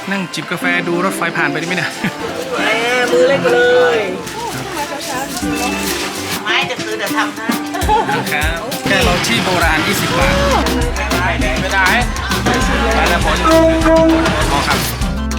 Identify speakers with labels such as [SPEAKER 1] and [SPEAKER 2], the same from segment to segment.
[SPEAKER 1] นั่งจิบกาแฟดูรถไฟผ่านไปได้ไหมเนี่ย
[SPEAKER 2] มือเล่นเลย
[SPEAKER 3] ไม่จะซื้อเดี๋ยวทำให้
[SPEAKER 1] ครับแค่เราที่โบราณ20 บาทไม่ได้ไปแล้วผลพอครับ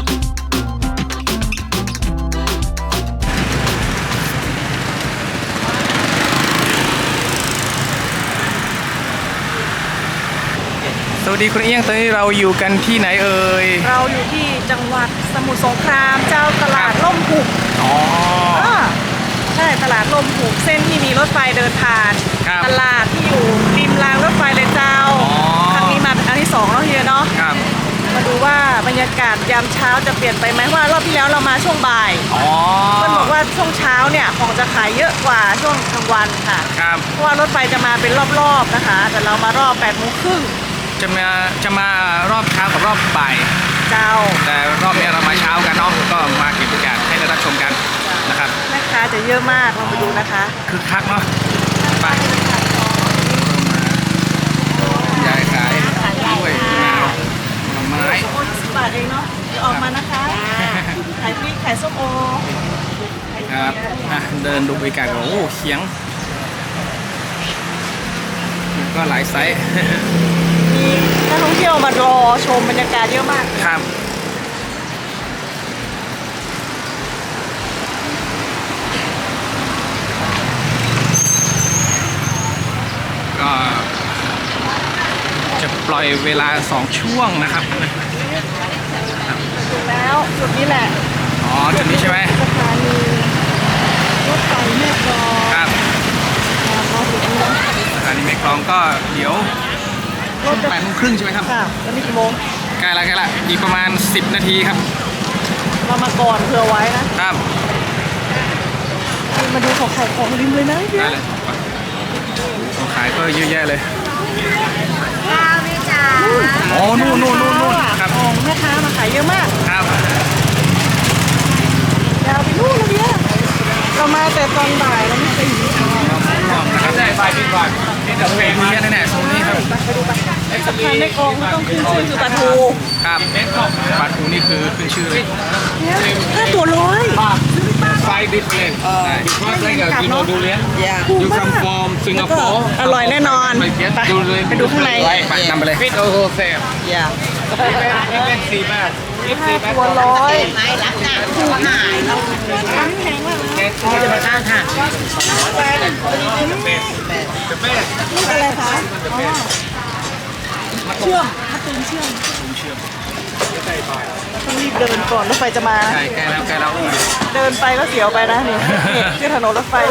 [SPEAKER 1] สวัสดีคุณเอี้ยงตอนนี้เราอยู่กันที่ไหนเอ่ย
[SPEAKER 2] เราอยู่ที่จังหวัดสมุทรสงครามเจ้าตลาดล่มหุบ
[SPEAKER 1] อ๋อ
[SPEAKER 2] ใช่ตลาดล่มหุบเส้นที่มีรถไฟเดินผ่านตลาดที่อยู่ริมรางรถไฟเลยเจ้าครั้งนี้มาเป็นครั้งที่2แล้วเฮียเนาะมาดูว่าบรรยากาศยามเช้าจะเปลี่ยนไปไหมว่ารอบที่แล้วเรามาช่วงบ่ายมันบอกว่าช่วงเช้าเนี่ยของจะขายเยอะกว่าช่วงกลางวันค่ะเพราะว่ารถไฟจะมาเป็นรอบๆนะคะแต่เรามารอบ8:30น
[SPEAKER 1] จะมารอบเช้ากับรอบบ่าย
[SPEAKER 2] เจ้า
[SPEAKER 1] แต่รอบนี้เรามาเช้ากันเนาะก็มาเก็บบรรยากาศให้ได้รับชมกันนะครับ
[SPEAKER 2] แม่ค้าจะเยอะมากลองไปดูนะคะ
[SPEAKER 1] คือคักเนาะไปยายขายด้วยมะนาวผลไม้
[SPEAKER 2] 10 บาทเองเนาะจะออกมานะคะขายพริกขายส้มโอ
[SPEAKER 1] ครับเดินดูบรรยากาศโอ้เขียงก็หลายไซส์
[SPEAKER 2] มีนักท่องเที่ยวมารอชมบรรยากาศเยอะมาก
[SPEAKER 1] ครับก็จะปล่อยเวลา2 ช่วงนะครับ
[SPEAKER 2] ถูกแล้วจุดนี้แหละ
[SPEAKER 1] อ๋อจุดนี้ใช่ไหม
[SPEAKER 2] สถานีรถไฟแม่กลอง
[SPEAKER 1] ครับสถานีแม่กลองก็เดี๋ยวช่วง8:30 ใช่ไหมครับ
[SPEAKER 2] ค่ะแล้วนี่กี่โมง
[SPEAKER 1] ใกล้ละอีกประมาณ10 นาทีครับ
[SPEAKER 2] เรามาก่อนเผื่อไว้นะครับมาดูของขายของริมเลยนะ
[SPEAKER 1] ได้เลยของขายก็เยอะแยะเลย
[SPEAKER 3] ข้าวนี่จ้า
[SPEAKER 1] อ๋อนู่น
[SPEAKER 2] ครับของแม่ค้ามาขายเยอะมาก
[SPEAKER 1] ครับ
[SPEAKER 2] ยาวไปนู่นเลยเนี่ยเรามาแต่ตอนบ่ายแล้วไม่เคยอยู่ที่นี่
[SPEAKER 1] นะครับได้บ่ายดีกว่าที่จะไปดูแน่ๆโซนนี้ครับ
[SPEAKER 2] ไปดูไปสะพานแม่กลองต้องขึ้นชื่อคือปลาทู
[SPEAKER 1] ครับปลาทูนี่คือขึ้นชื่อเลย
[SPEAKER 2] 5 ตัว100
[SPEAKER 1] 5 different because like you know durian you come from Singapore
[SPEAKER 2] อร่อยแน่นอนไปดูข้างใน
[SPEAKER 1] ไปนำไปเลย fit also same
[SPEAKER 2] yeah
[SPEAKER 1] เป็น4 บาท
[SPEAKER 2] 5 ตัว100
[SPEAKER 3] ไม้รักหน้าผู้หายเรา
[SPEAKER 2] แพงมาก
[SPEAKER 3] เขาจะมาตั้งค่ะ
[SPEAKER 2] นี่อะไรคะเชื่อมมะตูมเชื่อมต้องรีบเดินก่อนรถไฟจะมา
[SPEAKER 1] ใช่ใกล้แล้ว
[SPEAKER 2] เดินไปก็เสียวไปนะนี่ที่ถนนรถไฟ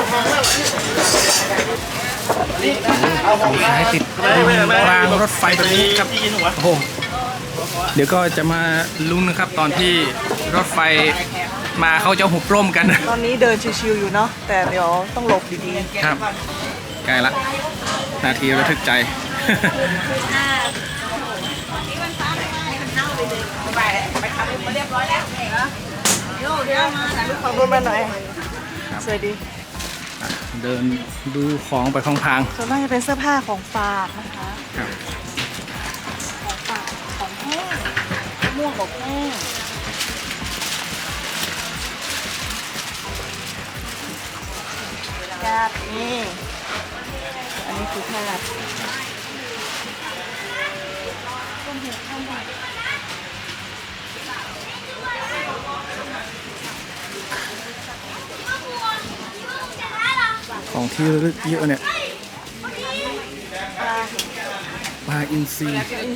[SPEAKER 1] ของขายติดรางรถไฟแบบนี้ครับโอ้โหเดี๋ยวก็จะมาลุ้นนะครับตอนที่รถไฟมาเขาจะหุบร่มกัน
[SPEAKER 2] ตอนนี้เดินชิวๆอยู่เนาะแต่เดี๋ยวต้องหลบดี
[SPEAKER 1] ๆครับใกล้ละนาทีระทึกใจ
[SPEAKER 3] ไปทำมาเรียบร้อยแล้วเดี๋ยวมาถ่ายรูป
[SPEAKER 2] ของรถมาหน่อยสวยดี
[SPEAKER 1] เดินดูของไปพลาง
[SPEAKER 2] ๆส่วนมากจะเป็นเสื้อผ้าของฝากนะคะของฝากของแห้งม่วงของแห้งญาตินี่อันนี้คือแพทย์
[SPEAKER 1] ของที่ระลึกเยอะเนี่ยปลาอินทรี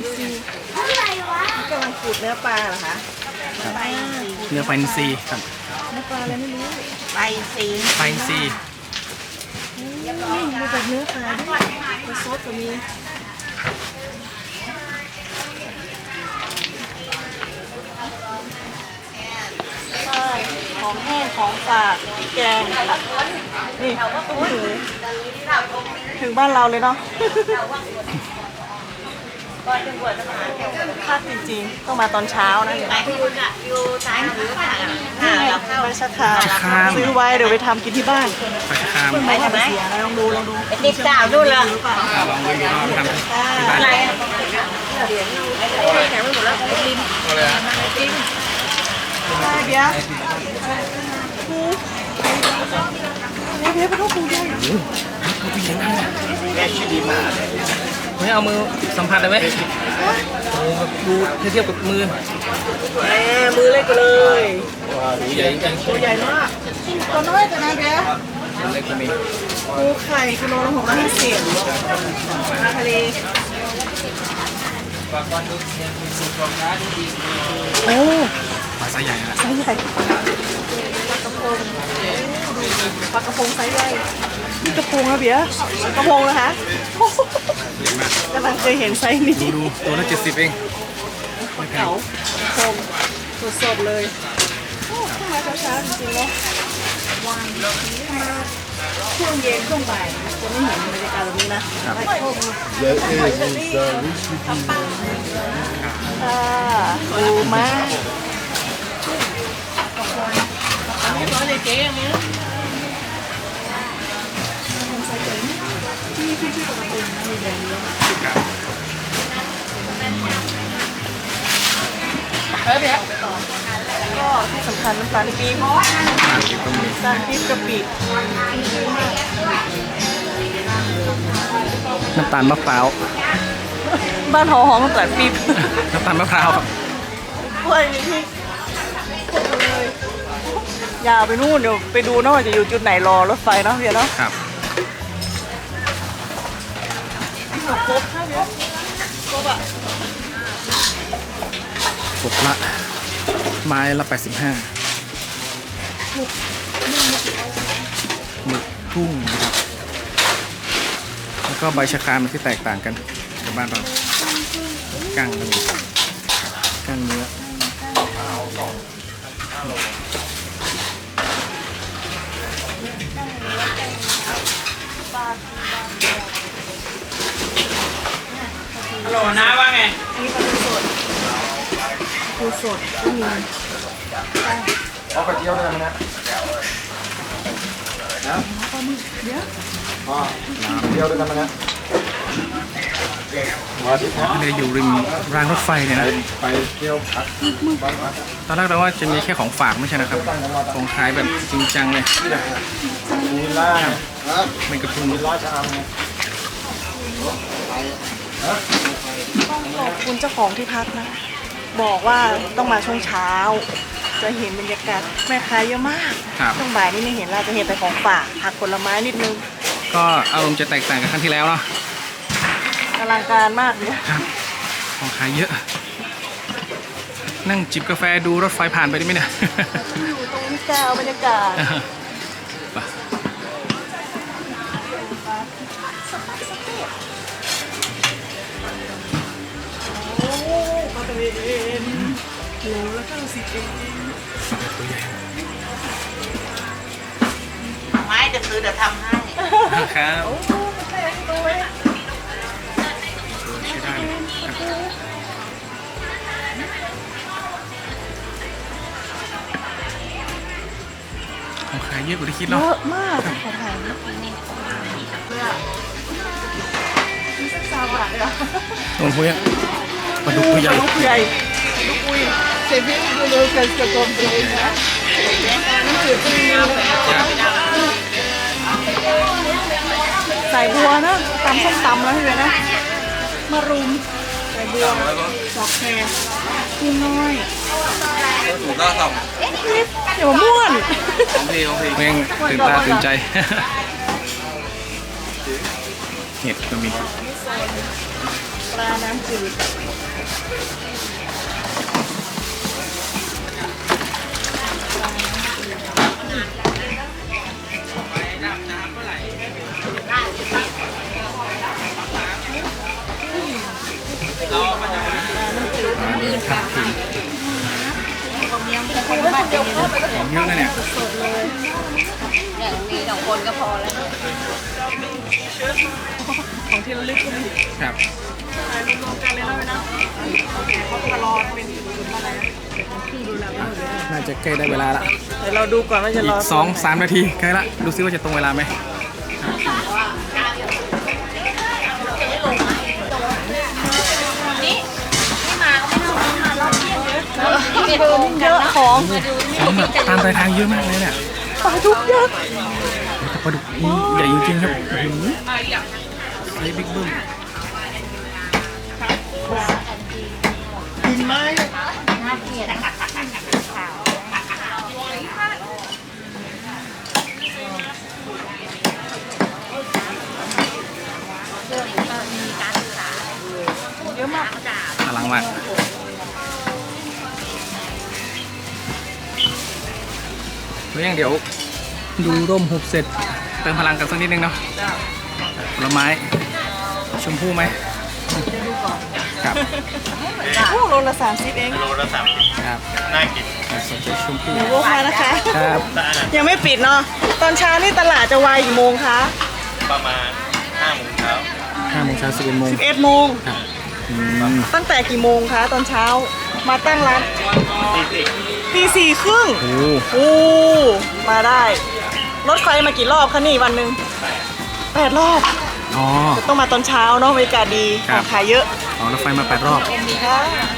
[SPEAKER 2] กำลังขูดเนื้อปลาเหรอคะ
[SPEAKER 1] เนื้อปลาอินทรีครับ
[SPEAKER 2] เนื้อปลาอะไรไม่รู้
[SPEAKER 3] ไปซี
[SPEAKER 2] นี่มาจากเนื้อปลาด้วยมาซดก็มีของแห้งของฝากแกงนี่ตู้หูถึงบ้านเราเลยเนาะภาคจริงๆต้องมาตอนเช้านะ
[SPEAKER 3] ไปอยู่ซ้ายมือค่ะ
[SPEAKER 2] เราเข้าไปชักคามซื้อไว้เดี๋ยวไปทำกินที่บ้าน
[SPEAKER 1] ไปชักคาม
[SPEAKER 2] ไปทำไหมลองดู
[SPEAKER 3] ติดดาวดูเลย
[SPEAKER 1] ลองดูทำที่บ้าน
[SPEAKER 3] อะไรแข็งไปหมดแล้วริม
[SPEAKER 2] เบียร์ปูเบียร์ปลาทูปูใหญ่
[SPEAKER 1] ตัวใหญ่มากไม่เอามือสัมผัสได้ไหมโอ้แบบดูเทียบกับมือ
[SPEAKER 2] แหมมือเล็กไปเลย
[SPEAKER 1] ตัวใหญ่จริง
[SPEAKER 2] ตัวใหญ่มากตัวน้อยแต่นะเบียร์
[SPEAKER 1] ๆเล็กก็มี
[SPEAKER 2] ปูไข่กิโลละ650ปลาทะเลโอ้
[SPEAKER 1] ปลาไซส์ใหญ่นะ
[SPEAKER 2] ไซส์ใหญ่ปลากระพงไซส์ใหญ่นี่กระพงนะเบียร์กระพงนะคะกำลังเคยเห็นไซส์นี้
[SPEAKER 1] ดูตัวละ70เองไม่แพง
[SPEAKER 2] เก๋าชมสดๆเลยโอ้ขึ้นมาเช้าๆจริงๆเนาะวันช่วงเย็นช่วงบ่ายจะไม่เห็นบรรยากาศแบบนี้นะ
[SPEAKER 4] There is recently
[SPEAKER 2] ดูมาก ก็ที่สำคัญน้ำตาลปี๊บ
[SPEAKER 1] ก็มี
[SPEAKER 2] น้ำตาลปี๊บกะปิ
[SPEAKER 1] น้ำตาลมะพร้าว
[SPEAKER 2] บ้านหอหอมน้ำตาลปี๊บ
[SPEAKER 1] น้ำตาลมะพร้าวครับ
[SPEAKER 2] กล้วยนี่พี่พูดมาเลยอย่าไปนู่นเดี๋ยวไปดูนะว่าจะอยู่จุดไหนรอรถไฟเนาะเพียเนาะ
[SPEAKER 1] ครับ
[SPEAKER 2] ครบค่ะเพียครบอ่ะ
[SPEAKER 1] กบละไม้ละ85หมึกทุ่งนะครับแล้วก็ใบชะครามที่แตกต่างกันกับบ้านเรากั้งก็มีกั้งเนื้อ
[SPEAKER 3] ฮัลโหลนะว่าไง
[SPEAKER 2] นี่ปลาทูสดปูสดก็มี
[SPEAKER 4] เอาไปเที่ยวได้ไหมนะเที่ยวด้วยกันไหมนะมาที่
[SPEAKER 1] เลยอยู่ริมรางรถไฟเนี่ยนะ
[SPEAKER 4] ไปเที่ยวพัก
[SPEAKER 1] ตอนแรกเราว่าจะมีแค่ของฝากไม่ใช่นะครับของขายแบบจริงจังเลย
[SPEAKER 4] มีล่า
[SPEAKER 1] ไม่กระพุ้ง
[SPEAKER 4] ราชอำไง
[SPEAKER 2] ขอบคุณเจ้าของที่พักนะ บอกว่าต้องมาช่วงเช้า จะเห็นบรรยากาศแม่ค้าเยอะมาก
[SPEAKER 1] ครับ
[SPEAKER 2] ช่วงบ่ายนี่ไม่เห็นเราจะเห็นแต่ของฝากผักผลไม้นิดนึง
[SPEAKER 1] ก็อารมณ์จะแตกต่างกับครั้งที่แล้วเนาะ
[SPEAKER 2] อลังการมากเลย
[SPEAKER 1] ครับของขายเยอะ นั่งจิบกาแฟดูรถไฟผ่านไปได้ไหมเนี่ย
[SPEAKER 2] อยู่ตรงนี้จ้าเอาบรรยากาศ
[SPEAKER 1] ไป
[SPEAKER 2] โอ้มาตะเวนโลละ90เอง
[SPEAKER 1] ตัวใหญ่
[SPEAKER 3] ไม่จะซื้อเดี๋ยวทำให้
[SPEAKER 1] ครับ
[SPEAKER 2] โอ้มันแพงตัวเว้ย
[SPEAKER 1] ใช้ได้เลยครับของขายเยอะกว่าที่คิด
[SPEAKER 2] เย
[SPEAKER 1] เนาะ
[SPEAKER 2] อะมากขอถ่ายนะเลยอะมีสัก3 บาทเลยอะ
[SPEAKER 1] ตรงพวกนี้ปลาดุกตัวใหญ่
[SPEAKER 2] ลูกใหญ่ลูกอุ้ยเซฟวี่ดูเลยกันจะกลมเลยนะน้ำจืดก็มีใส่บัวนะตำส้มตำแล้วใช่ไหมนะมารุมใส่บัวดอกแครกินน้อย
[SPEAKER 4] ถูกล่าต่
[SPEAKER 2] เดี๋ยวม่วน
[SPEAKER 4] ของพี่ของพี่
[SPEAKER 1] แม่งตื่นตาตื่นใจ เห็ดก็มี
[SPEAKER 2] ปลาน้ำจืด
[SPEAKER 1] มาดูครับถึงของเยอะนะเนี่ย
[SPEAKER 3] อย่างนี้2 คนก็พอแล้ว
[SPEAKER 2] ของที่ระลึกก็มี
[SPEAKER 1] ครับ
[SPEAKER 2] ถ่ายรวมๆกันเลยนะเว้ยนะเขาตลอดเป็นอะไรนะ
[SPEAKER 1] น่าจะใกล้ได้เวลาละ
[SPEAKER 2] เดี๋ยวเราดูก่อนว่าจะ
[SPEAKER 1] อี
[SPEAKER 2] ร
[SPEAKER 1] ก
[SPEAKER 2] อ
[SPEAKER 1] 2-3 นาทีใกล้ละ ดูซิว่าจะตรงเวลาไหม
[SPEAKER 3] นี่มาก็ไม่ต้องมารอบเที่ยงเลย
[SPEAKER 2] เบอร์นี่เยอะของ
[SPEAKER 1] ของแบบตามรายทางเยอะมากเลยเนี่ย
[SPEAKER 2] ปลาดุกยักษ์
[SPEAKER 1] แต่ปลาดุกนี่ใหญ่จริงๆครับโอ้โหไซส์บิ๊กเบิ้ม
[SPEAKER 2] เยอะมาก
[SPEAKER 1] อลังมากแล้วยังเดี๋ยวดูร่มหุบเสร็จเติมพลังกันสักนิดนึงเนาะผลไม้ชมพู่ไหมครับ
[SPEAKER 2] โอ้โลละ30เอง
[SPEAKER 1] ครับ
[SPEAKER 4] น่ากิน
[SPEAKER 1] สนใจชมพู่
[SPEAKER 2] หมูโวกมานะคะ
[SPEAKER 1] ครับ
[SPEAKER 2] ยังไม่ปิดเนาะตอนเช้านี่ตลาดจะวายกี่โมงคะ
[SPEAKER 4] ประมาณ5 โมงเช้า
[SPEAKER 1] 5 โมงเช้า11 โมง
[SPEAKER 2] 11โมง
[SPEAKER 1] ครับอืม
[SPEAKER 2] ตั้งแต่กี่โมงคะตอนเช้ามาตั้งร้าน
[SPEAKER 4] ตีสิ
[SPEAKER 2] ตี 4 ครึ่ง
[SPEAKER 1] โอ้โห
[SPEAKER 2] โอ้มาได้ รถไฟมากี่รอบคะนี่วันหนึ่ง8 รอบ
[SPEAKER 1] อ๋อ
[SPEAKER 2] ต้องมาตอนเช้าเนาะบรรยากาศดีข
[SPEAKER 1] ครั
[SPEAKER 2] อบ งขายเยอะ
[SPEAKER 1] อ๋อรถไฟมา8 รอบ
[SPEAKER 2] ค่ะ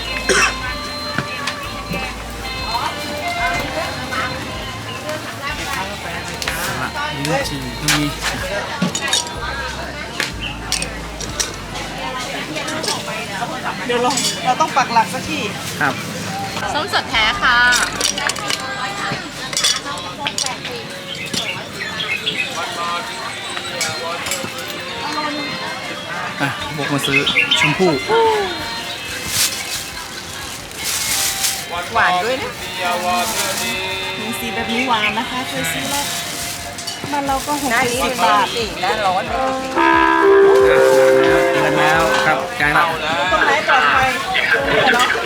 [SPEAKER 1] ลิ้นจี่ก็มี
[SPEAKER 2] เดี๋ยวเราต้องปักหลักสักที่
[SPEAKER 1] ครับ
[SPEAKER 3] ส้มสดแท้ค่ะ
[SPEAKER 1] อ่ะบวกมาซื้อชมพู่
[SPEAKER 2] หวานด้วยนะมีสีแบบนี้หวานนะคะเคยซื้อแล้วบ้านเราก็60 บาท
[SPEAKER 3] และร้อน
[SPEAKER 1] เดินแล้วครับใกล้ละ
[SPEAKER 2] ตรงไหนปลอดภัยเนาะ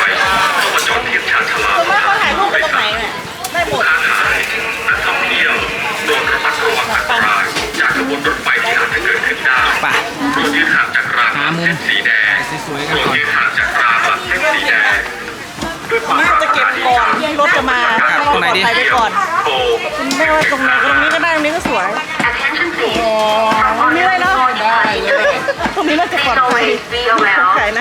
[SPEAKER 2] ส่วนมากเขาถ่ายรูปกันตรงไหนเนี่ยได้หมด
[SPEAKER 1] ป่ะหามุมสวยๆกันก่อน
[SPEAKER 2] น่าจะเก็บก่อนที่รถจะมาให้เราปลอดภัยไปก่อนไม่ว่าตรงไหนก็ตรงนี้ก็ได้ตรงนี้ก็สวยตรงนี้เลยเนาะตรงนี้น่าจะปลอดภัยไก่นะ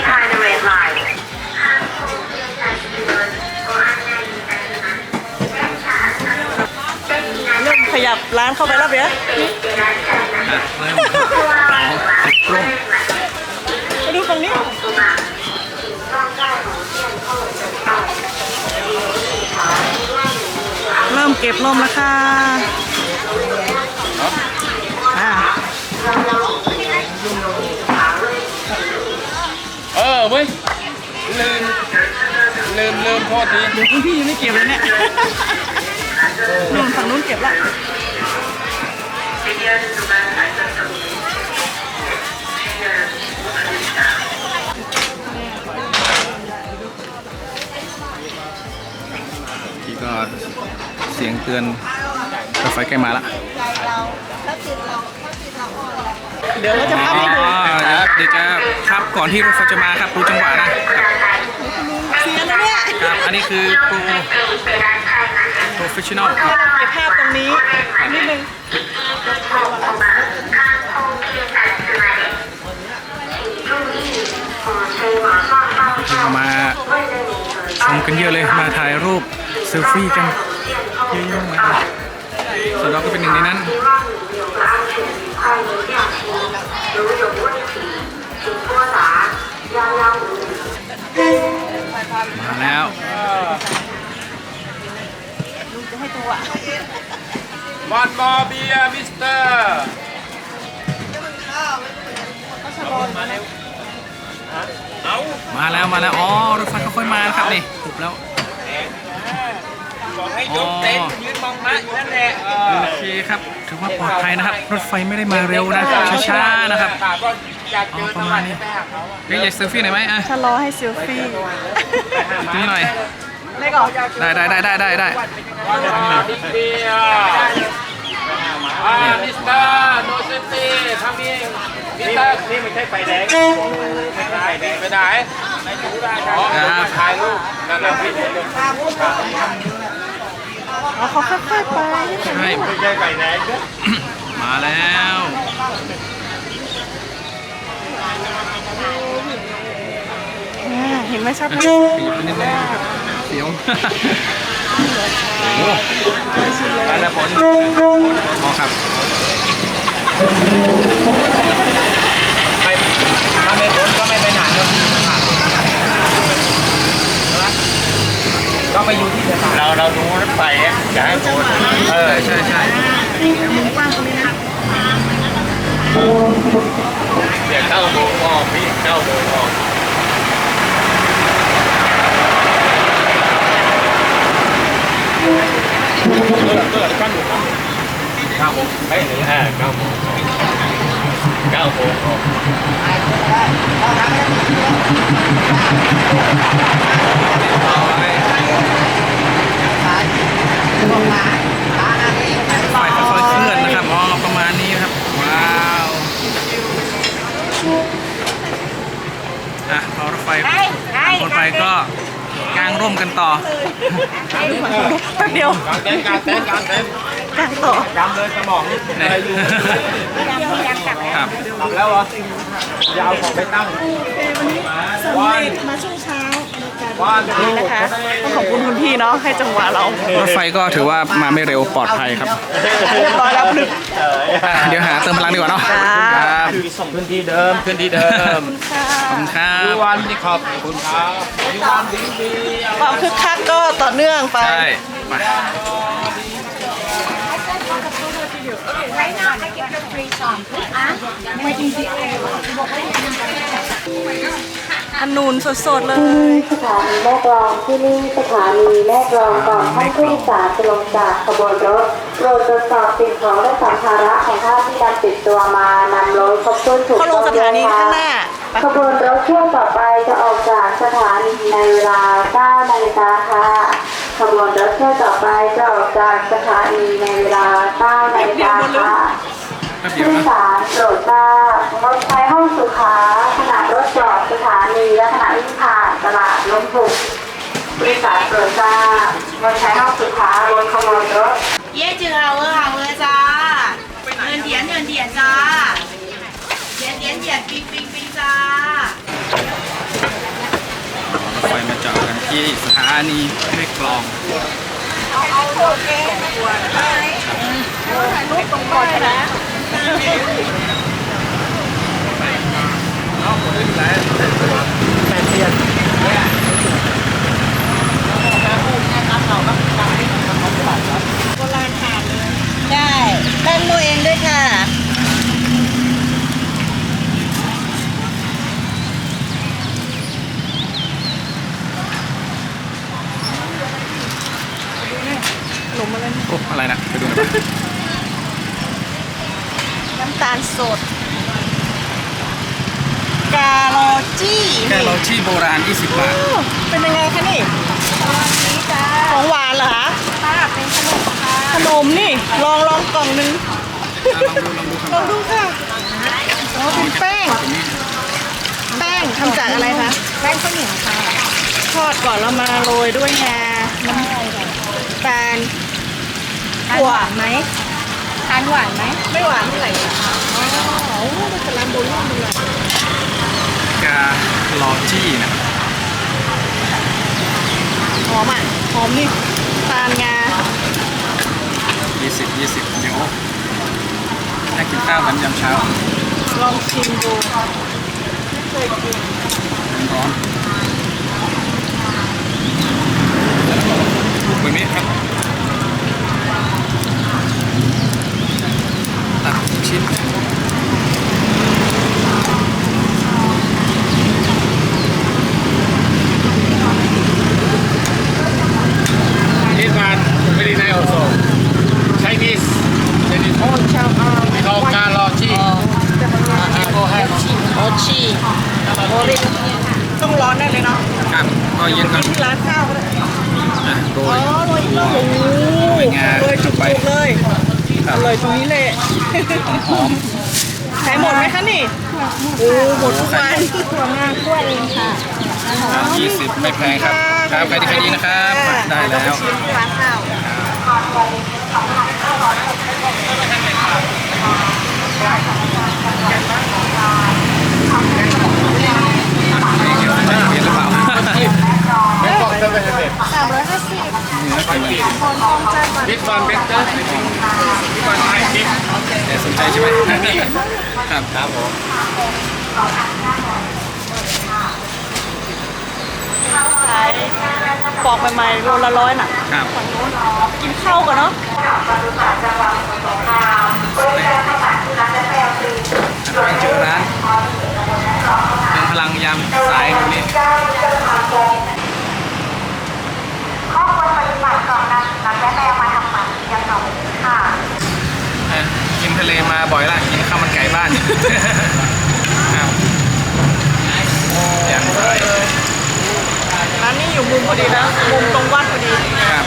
[SPEAKER 2] เริ่มขยับร้านเข้าไปแล้วเบียร์
[SPEAKER 1] อ่ะเริ่มร่ม
[SPEAKER 2] ไปดูตรงนี้ เริ่มเก็บร่มแล้วค่ะอ่า
[SPEAKER 4] เว้ยลืมโทษที
[SPEAKER 2] เดี๋ยวคุณพี่ยังไม่เก็บเลยเนี่ยนู่นฝั่งนู้นเก็บละ
[SPEAKER 1] ที่ก็เสียงเตือนรถไฟใกล้มาละ
[SPEAKER 2] เดี๋ยวเราจะพาไปดู
[SPEAKER 1] เดี๋ยวจะครับก่อนที่รถไฟจะมาครับดูจังหวะนะครับ
[SPEAKER 2] เสียงนะเนี่ย
[SPEAKER 1] ครับอันนี้คือโปรเฟชชั่นอลครับ
[SPEAKER 2] เก็บภาพตรงนี้นิดนึง
[SPEAKER 1] เรามาชมกันเยอะเลยมาถ่ายรูปเซลฟี่กันเยอะๆมากส่วนเราก็เป็นหนึ่งในนั้นมาแล้ว
[SPEAKER 2] ลุงจะให้ตัว
[SPEAKER 4] วันมอเบียมิสเตอร์
[SPEAKER 1] มาแล้วอ๋อรถไฟค่อยๆมานะครับนี่ถูกแล้ว
[SPEAKER 4] บอกให้ยกเต็นท์ยืนมองพระอยู่นั่นแหละ
[SPEAKER 1] โอเคครับถือว่าปลอดภัยนะครับ รถไฟไม่ได้มาเร็วนะช้าๆนะครับ
[SPEAKER 4] ก็อยากเจอ
[SPEAKER 1] ประมาณนี้เฮ้ยอยากเซลฟี่หน่อยไหมอ่ะ
[SPEAKER 2] ชะลอให้เซลฟี่
[SPEAKER 1] ตรงนี้หน่อย
[SPEAKER 2] ได้ก่อน
[SPEAKER 1] ได้
[SPEAKER 4] บิ๊กเบียมิสเตอร์โนเซนตี้ทำเองมิสเตอร์นี่ไม่ใช่ไฟแดงไม่ใช่ไฟแดงไปไหนในจูได้ครับถ่ายรูปนั่นแหละพี่
[SPEAKER 2] เอาเขาค่อยๆไป
[SPEAKER 1] ใช่
[SPEAKER 4] ไม่ใช่ไฟแดง
[SPEAKER 1] มาแล้ว
[SPEAKER 2] เห็นไหมชัดไหม
[SPEAKER 1] ขยับไปนิดนึงสียวไปแล้วผลพอครับ
[SPEAKER 4] ถ้าไม่พ้นก็ไม่ไปไหนก็ไปอยู่ที่สถานเราดูรถไฟอยากให้พ้น
[SPEAKER 1] ใช่
[SPEAKER 2] มุมกว้างตรงนี้นะ
[SPEAKER 4] เดี๋ยวเข้าโมงออกพี่เข้าโมงออก9 โมงไม่ถึง9 โมง9 โมง
[SPEAKER 1] ไฟค่อยๆเคลื่อนนะครับอ๋อประมาณนี้ครับว้าวพอรถไฟคนไปก็กางร่มกันต่อ
[SPEAKER 2] แป๊บเดียว
[SPEAKER 4] การเต้น
[SPEAKER 2] กางต่อย
[SPEAKER 4] ำเลยสมองอะไรอยู่
[SPEAKER 1] ครับ
[SPEAKER 4] กลับแล้วเหรอ ยาวของไปตั้ง
[SPEAKER 2] วันนี้สำเร็จมาช่วงเช้านี่นะคะต้องขอบคุณคุณพี่เนาะให้จังหวะเรา
[SPEAKER 1] รถไฟก็ถือว่ามาไม่เร็วปลอดภัยครับ
[SPEAKER 2] เรียบร้อยแล้วนึก
[SPEAKER 1] เดี๋ยวหาเติมพลังดีกว่าเนาะ
[SPEAKER 4] ครับขึ้นที่เดิมขอบ
[SPEAKER 1] คุณครับ
[SPEAKER 4] ยูวันที่ขอบคุณครับยูวันดี
[SPEAKER 2] ความคึกคักก็ต่อเนื่องไป
[SPEAKER 1] ใช่ไป
[SPEAKER 2] อันนูนสดๆเลย
[SPEAKER 3] สถานีแม่กลองที่นี่สถานีแม่กลองก่อนท่านผู้โดยสารจะลงจากขบวนรถโปรดตรวจสอบสิ่งของและสัมภาระของท่านที่นำติดตัวมานำรถครบถ้วนถูกต้องด้วยค่ะขบวนรถเที่ยวต่อไปจะออกจากสถานีในเวลา 9 นาฬิกาค่ะขบวนรถเที่ยวต่อไปจะออกจากสถานีในเวลา 9 นาฬิกาค่ะผู้โดยสารโปรดทราบรถไฟห้องสุขาขณะรถจอดสถานีและขณะวิ่งผ่านตลาดล้มผุกผู้โดยสารโปรดทราบรถไฟห้องสุขาบนขบวนรถ
[SPEAKER 5] 椰子好喝จ้าเงินเดียนจ้าเดียนปิ้งจ้าร
[SPEAKER 1] ถไฟมาจอดกันที่สถานีแม่กลอง
[SPEAKER 2] เอาโอเคถ่ายรูปตรงก่อนนะโบราณขาดเลย
[SPEAKER 5] ได้แป้งโมเองด้วยค่ะ
[SPEAKER 2] ขนมอะไร
[SPEAKER 1] โอ้อะไรนะไปดูหน่อย
[SPEAKER 2] น้ำตาลสดกาโรจี้
[SPEAKER 1] โบราณ20 บาท
[SPEAKER 2] เป็นยังไงคะนี่ของหวานเหรอคะเป็นขนมค่ะขนมนี่ลองกล่องนึงลองดูค่ะอ๋อเป็นแป้งทำจากอะไรคะ
[SPEAKER 5] แป้งข้าวเหนียวค่ะ
[SPEAKER 2] ทอดก่อนแล้วมาโรยด้วยงาน้ำตาล
[SPEAKER 5] หวานไหมทานหวานไหม
[SPEAKER 2] ไม่หวานเท่าไหร่ค่ะอ๋อมันจะร้านโบราณเลย
[SPEAKER 1] กาลอจี้นะ
[SPEAKER 2] หอมหอมนี่ตาลงา
[SPEAKER 1] 20เดี๋ยวให้กินข้าวกันยามเช้า
[SPEAKER 2] ลองชิมดูไม่เคยกิน
[SPEAKER 1] ร้อนแบบนี้ครับตัดชิ้น
[SPEAKER 2] ต้องร้อนได้เลยเนาะ
[SPEAKER 1] ครับก็เย็นก่อน
[SPEAKER 2] ที่ร้านข้าวก็ได้
[SPEAKER 1] โรย
[SPEAKER 2] โรย
[SPEAKER 1] งา
[SPEAKER 2] จุกเลยอร่อยตรงนี้เลย
[SPEAKER 1] หอม
[SPEAKER 2] ขายหมดไหมคะนี่หมดทุกวัน
[SPEAKER 5] ตัวงานกล้วยเองค่ะ
[SPEAKER 1] 20ไม่แพงครับใครดีนะครับได้แล้ว
[SPEAKER 2] ร้านข้าว
[SPEAKER 1] จะเปลี่ยนหรือเปล่า
[SPEAKER 4] ก็ไม่เผ็ด
[SPEAKER 2] 350
[SPEAKER 1] เนื้อไก่ฉีก
[SPEAKER 2] คนคงใจมัน
[SPEAKER 4] บิ๊กบอลเบเกอร์บิ๊กบอลไทยบิ๊ก
[SPEAKER 1] แต่สนใจใช่ไหมครับครับผม
[SPEAKER 2] ขายปอกใหม่ๆโลละ100น่ะ
[SPEAKER 1] ครับ
[SPEAKER 2] กินข้าวกันเนาะ
[SPEAKER 1] ไปเจอร้านเป็นพลังยามสายตรงนี้
[SPEAKER 3] ข้อควรปฏิบัติก่อนนำและแม่มาทำหมันยังหนองค่ะ
[SPEAKER 1] กินทะเลมาบ่อยละกินข้าวมันไก่บ้านครับยามสาย
[SPEAKER 2] ร้านนี้อยู่มุมพอดีนะมุมตรงวัดพอดี
[SPEAKER 1] ครับ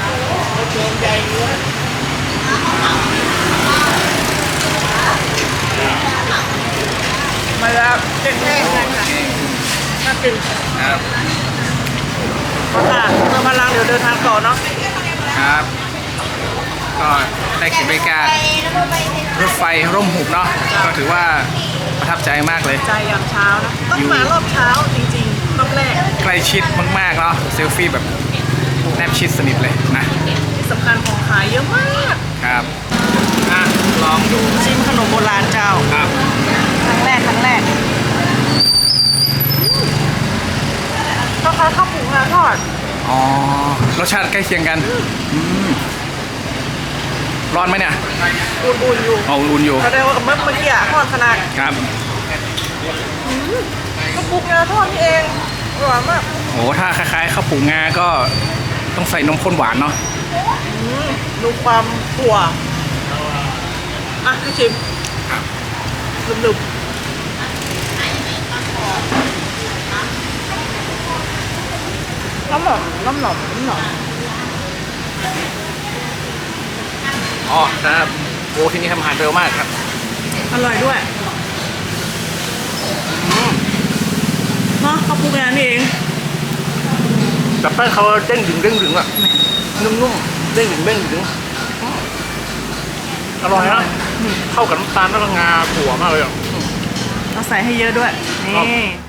[SPEAKER 2] มาแล้วเจ๊งแน่น่ากิน
[SPEAKER 1] ครับ
[SPEAKER 2] ค่ะเติมพลังเดี๋ยวเดินทางต่อเนาะ
[SPEAKER 1] ครับก็ได้เก็บบรรยากาศรถไฟร่มหุบเนาะก็ถือว่าประทับใจมากเลย
[SPEAKER 2] ใจยามเช้านะต้องมารอบเช้าจริงๆรอบแรก
[SPEAKER 1] ใกล้ชิดมากๆเนาะเซลฟี่แบบแนบชิดสนิทเลยนะ
[SPEAKER 2] ที่สำคัญของขายเยอะมาก
[SPEAKER 1] ครับอ่ะลองดู
[SPEAKER 2] ชิมขนมโบราณเจ้า
[SPEAKER 1] ครับ
[SPEAKER 2] ครั้งแรกก็คล้ายข้าวผูงาทอด
[SPEAKER 1] อ๋อรสชาติใกล้เคียงกันมร้อนไหมเนี่ย
[SPEAKER 2] อุ่นๆอยู่
[SPEAKER 1] อ๋ออุ่นอยู่
[SPEAKER 2] แสดงว่าเมื่อกี้ทอดขนาด
[SPEAKER 1] ครับ
[SPEAKER 2] ข้าวผูงาทอดนี่เองอร่อยมาก
[SPEAKER 1] โอ้ถ้าคล้ายๆข้าวผูงาก็ต้องใส่นมข้นหวานเนาะ
[SPEAKER 2] ดูความถั่วอ่ะให้ชิม
[SPEAKER 1] ครับ
[SPEAKER 2] ดึบๆน้ำหนม
[SPEAKER 1] อ๋อครับโอ้ที่นี่ทำอาหารเร็วมากครับ
[SPEAKER 2] อร่อยด้วยเนาะข้าวผูงานี่เอง
[SPEAKER 1] แต่แป้งเขาเด้งดึงอ่ะนุ่มๆเด้งดึงอร่อยนะเข้ากับน้ำตาลแล้วก็งาถั่วมากเลยอ่ะ
[SPEAKER 2] เราใส่ให้เยอะด้วย นี่